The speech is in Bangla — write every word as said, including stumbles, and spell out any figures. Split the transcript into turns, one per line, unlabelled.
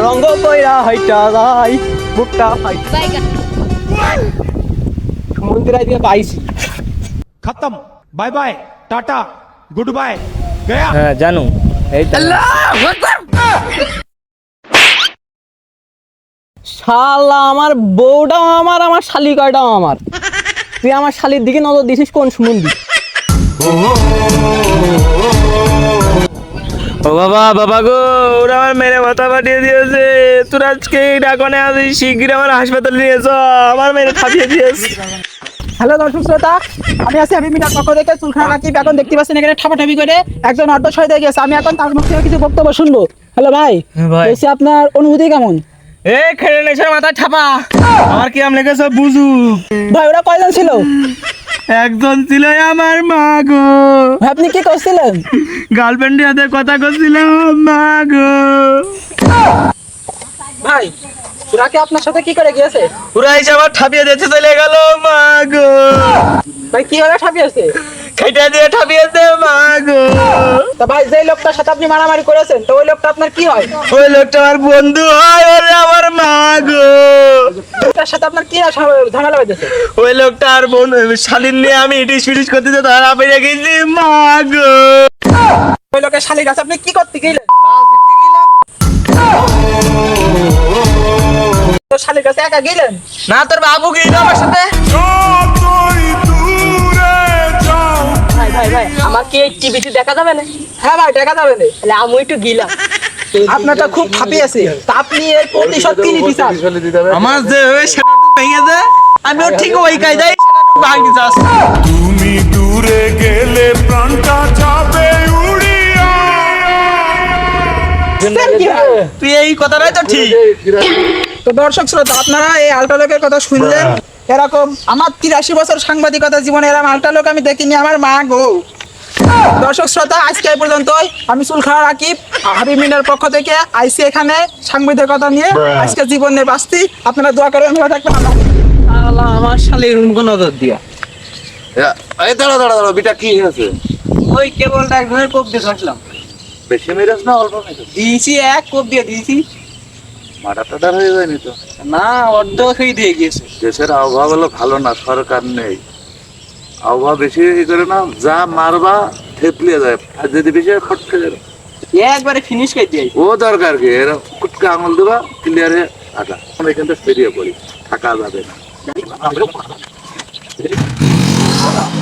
রঙ্গ কইরা হাইটা যাই বুকটা হাই মন্দিরাই দিয়ে পাইছি
खत्म bye bye tata goodbye गया।
হ্যাঁ জানু এই শালা আমার বউটাও আমার আমার শালিকাটাও আমার তুই আমার শালির দিকে নজর দিছিস কোন সুমন্দি
ও বাবা বাবা গো ওরা আমার মেরে মাথা ফাটিয়ে দিয়েছে তোর আজকে ডাকনে আসি শিগগির আমার হাসপাতালে নিয়ে যা আমার মেরে ফাটিয়ে দিয়েছে।
হ্যালো দর্শক শ্রোতা, আমি আছি আমি মিনার পক্ষ থেকে চুলখানা রাকিব। এখন দেখতে পাচ্ছেন এখানে ঠাপাঠাপি করে একজন অর্ধ শহীদ হয়ে গেছে। আমি এখন তার মুখ থেকে কিছু বক্তব্য শুনবো। হ্যালো ভাই,
ভাই।
বলছি আপনার অনুভূতি কেমন?
এই খেলে নেছে মাথা ঠাপা আমার কি আম লেগেছে বুঝু
ভাই ওরা কয়জন ছিল?
একজন ছিল আমার মা গো
ভাই আপনি কি করছিলেন?
গার্লফ্রেন্ডের হাতে কথা করছিলাম মা গো।
ভাই ওরা কি আপনার সাথে কি করে গিয়েছে?
ওরা এসে আমার ঠাপিয়ে দিতে চলে গেল মা গো।
ভাই কি ওরা ঠাপিয়েছে?
খাইটা দিয়ে ঠাপিয়েছে মা গো।
তা ভাই যে লোকটার সাথে আপনি মারামারি করেছেন তো ওই লোকটা আপনার কি হয়?
ওই লোকটা আমার বন্ধু হয় ওরে আমার মা গো।
লোকটার সাথে আপনার কি ঝামেলা হয়েছে?
ওই লোকটা আর বোন শালীন নিয়ে আমি ইটিস ফিটিস করতে যে ধরা পেয়ে গেছি মা গো।
ওই লোকের শালির কাছে আপনি কি করতে গেলেন? তো শালির কাছে একা গেলেন?
না তোর বাবু গিয়ে আমার সাথে
ভাই ভাই ভাই আমাকে টিভিতে দেখা যাবে না?
হ্যাঁ ভাই দেখা যাবে না।
তাহলে আমি একটু গিলাম।
আপনারটা খুব ফাঁপিয়েছে তা আপনি এর প্রতিশোধ কি নিতে চান?
আমার যে সেটা ভেঙে দে আমি ওর ঠিক ওই কায়দায় সেটা ভাঙি যাস।
তুমি দূরে গেলে প্রাণটা যাবে উড়িয়া।
কি ভাই?
তুই এই কথাটাই তো ঠিক।
তো দর্শক শ্রোতা আপনারা এই আলটা লোকের কথা শুনলেন। এরকম আমার তিরাশি বছর সাংবাদিকতা জীবনে এরকম আলটা লোক আমি দেখিনি আমার মা গো। দর্শক শ্রোতা আজকে এই পর্যন্তই। আমি চুলখানা রাকিব হাবিব মিনার পক্ষ থেকে আইসি এখানে সাংবাদিকতা নিয়ে আজকে জীবন নিয়ে বাঁচতি। আপনারা দোয়া করবেন ভালো থাকবেন।
শালা আমার শালির মুখে নজর দিয়া
এই দাঁড়া দাঁড়া দাঁড়া বিটা কি হয়েছে?
ওই কেবলটা এক ধরনের কোপ দিয়ে থাকলাম
বেশি মেরেছ না অল্প মেরেছ?
দিয়েছি এক কোপ দিয়ে দিয়েছি
মাথা টাটা হয়ে যায়নি তো?
না অর্ধ খেয়ে দিয়ে গিয়েছে
দেশের আবহাওয়া গুলো ভালো না, সরকার নেই, আবহাওয়া বেশি ই করে না, যা মারবা থেপলিয়ে যায়, আর যদি বেশি ফটকে যাবে
একবারে ফিনিশ করে দিয়ে
ও দরকার কি এরা কুটকে আঙুল দেবা ক্লিয়ার হয়ে থাকা। আমরা এখান থেকে বেরিয়ে পড়ি, থাকা যাবে না।